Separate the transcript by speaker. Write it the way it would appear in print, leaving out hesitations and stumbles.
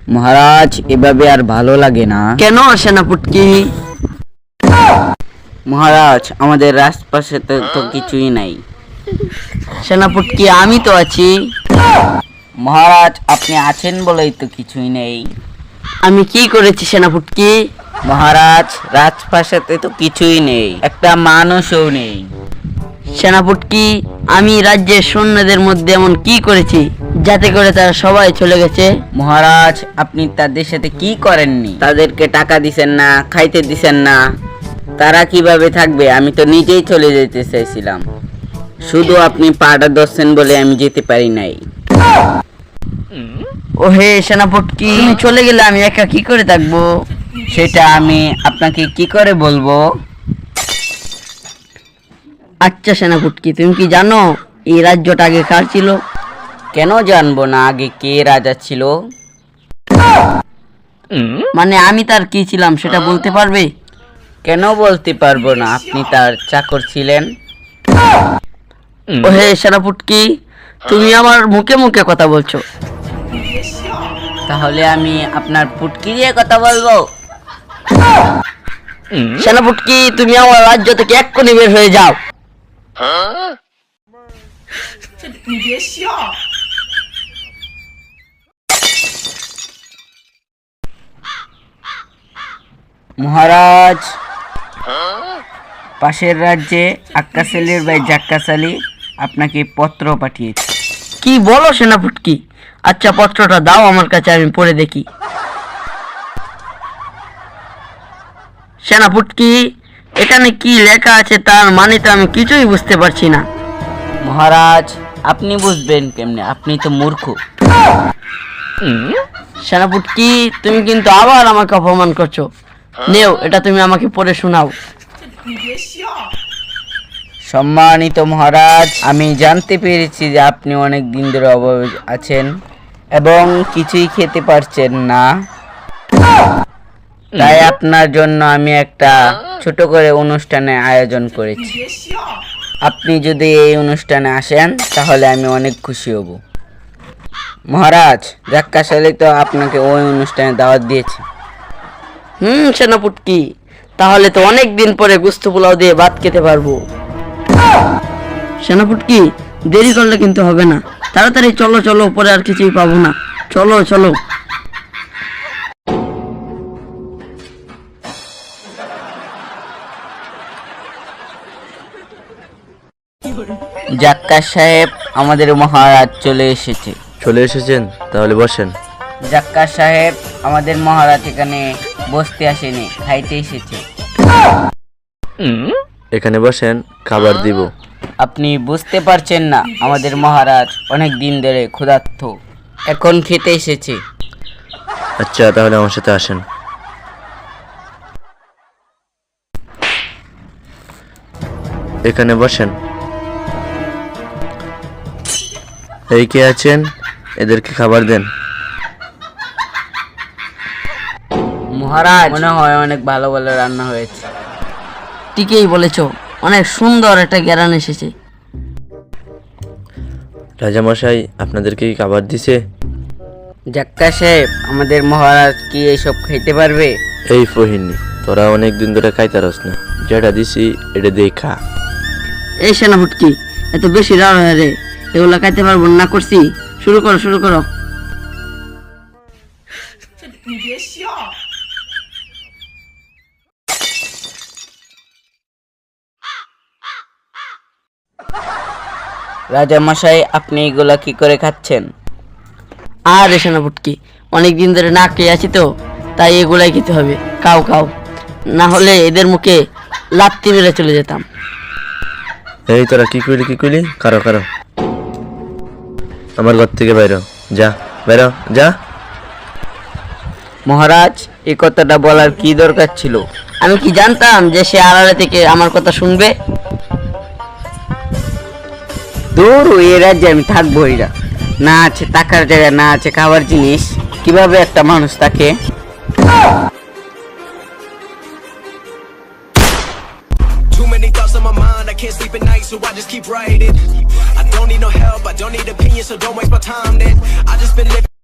Speaker 1: মহারাজ, এভাবে আর ভালো লাগে না।
Speaker 2: কেন সেনাপতি?
Speaker 1: মহারাজ, আমাদের রাজপাশে তো কিছুই নাই।
Speaker 2: সেনাপতি, আমি তো আছি।
Speaker 1: মহারাজ, আপনি আছেন বলেই তো কিছুই নেই।
Speaker 2: আমি কি করেছি সেনাপতি?
Speaker 1: মহারাজ, রাজপ্রাসাদে তো কিছুই নেই, একটা মানুষও নেই।
Speaker 2: সেনাপতি, আমি রাজ্যের সৈন্যদের মধ্যে এমন কি করেছি যাতে করে তারা সবাই চলে গেছে?
Speaker 1: মহারাজ, আপনি তাদের সাথে কি করেননি? তাদেরকে টাকা দিছেন না, খাইতে দিছেন না, তারা কিভাবে থাকবে? আমি তো নিজেই চলে যেতে চাইছিলাম, শুধু আপনি পাটা ধরছেন বলে আমি যেতে পারি নাই।
Speaker 2: ও হে সেনাপতি, তুমি চলে গেলে আমি একা কি করে থাকবো?
Speaker 1: সেটা আমি আপনাকে কি করে বলবো?
Speaker 2: আচ্ছা সেনাপতি, তুমি কি জানো এই রাজ্যটা আগে কার ছিল?
Speaker 1: কেন জানবো না আগে কে রাজা ছিল?
Speaker 2: মানে আমি তার কি ছিলাম সেটা বলতে পারবে?
Speaker 1: কেন বলতে পারবো না, আপনি তার চাকর ছিলেন।
Speaker 2: ও হে সেনাপতি, তুমি আমার মুখে মুখে কথা বলছো।
Speaker 1: তাহলে আমি আপনার পুটকি দিয়ে কথা বলবো?
Speaker 2: সেনাপতি, তুমি আমার রাজ্য থেকে এক্ষুনি বের হয়ে যাও।
Speaker 1: মহারাজ, পাশের রাজ্যে আক্কাস আলীর ভাই জাক্কাস আলী আপনাকে পত্র পাঠিয়েছে।
Speaker 2: কি বলো সেনাপতি? আচ্ছা, পত্রটা দাও আমার কাছে, আমি পড়ে দেখি। সেনাপতি, এখানে কি লেখা আছে তার মানে তো আমি কিছুই বুঝতে পারছি না।
Speaker 1: মহারাজ, আপনি বুঝবেন কেমনে? আপনি তো মূর্খ।
Speaker 2: সেনাপতি, তুমি কিন্তু আবার আমাকে অপমান করছো। নেও, এটা তুমি আমাকে পড়ে শোনাও।
Speaker 1: সম্মানিত মহারাজ, আমি জানতে পেরেছি যে আপনি অনেক দিন ধরে অভাবে আছেন এবং কিছুই খেতে পারছেন না। তাই আপনার জন্য আমি একটা ছোট করে অনুষ্ঠানের আয়োজন করেছি। আপনি যদি এই অনুষ্ঠানে আসেন তাহলে আমি অনেক খুশি হব। মহারাজ, জাক্কাস আলী তো আপনাকে ওই অনুষ্ঠানে দাওয়াত দিয়েছে।
Speaker 2: সেনাপতি, তাহলে তো অনেক দিন পরে গুস্ত পোলাও দিয়ে ভাত খেতে পারবো। সেনাপতি, দেরি করলে কিন্তু হবে না, তাড়াতাড়ি চলো চলো, পরে আর কিছুই পাবো না। চলো চলো।
Speaker 1: জাক্কাস সাহেব, আমাদের মহারাজ চলে এসেছে।
Speaker 3: চলে এসেছেন? তাহলে বসেন।
Speaker 1: জাক্কাস সাহেব, আমাদের মহারাজ এখানে বসতে আসেনি, খাইতে এসেছে।
Speaker 3: এখানে বসেন, খাবার দিব।
Speaker 1: আপনি বুঝতে পারছেন না, আমাদের মহারাজ অনেক দিন ধরে ক্ষুধার্ত, এখন খেতে এসেছে।
Speaker 3: আচ্ছা, তাহলে আমার সাথে আসেন। এখানে বসেন। এই কে আছেন? এদেরকে খাবার দেন।
Speaker 1: মহারাজ, মনে হয় অনেক ভালো ভালো রান্না হয়েছে।
Speaker 2: ঠিকই বলেছো, অনেক সুন্দর একটা গ্যারান এসেছে।
Speaker 3: রাজামশাই, আপনাদেরকে কি খাবার দিছে?
Speaker 1: জাক্কাস সাহেব, আমাদের মহারাজ কি এইসব খেতে পারবে?
Speaker 3: এই ফহিনী, তোরা অনেক দিন ধরে খাইতারস না, যেটা দিছি এটা দিয়ে খা।
Speaker 2: এই সেনাপতি, এত বেশি রাগ হয় রে, এগুলা খাইতে পারবো না করছি। শুরু করো শুরু করো।
Speaker 1: রাজামশাই, আপনি এগুলা কি করে খাচ্ছেন?
Speaker 2: আরে সেনাপতি, অনেক দিন ধরে না খেয়ে আছি তো, তাই এগুলাই খেতে হবে। খাও খাও, না হলে এদের মুখে লাত্তি মেরে চলে যেতাম।
Speaker 3: এই তোরা কি কইলি? কারো আমার ঘর থেকে বাইরো, যা বাইরো যা।
Speaker 1: মহারাজ, এই কথাটা বলার কি দরকার ছিল?
Speaker 2: আমি কি জানতাম যে সে আড়ালে থেকে আমার কথা শুনবে?
Speaker 1: দূর, এই রাজ্যে আমি থাকবোই না। না আছে টাকার জায়গা, না আছে খাবার জিনিস, কিভাবে একটা মানুষ থাকে?
Speaker 4: Too many thoughts on my mind, I can't sleep at night, so I just keep writing. I don't need no help, I don't need opinions, so don't waste my time then. I just been living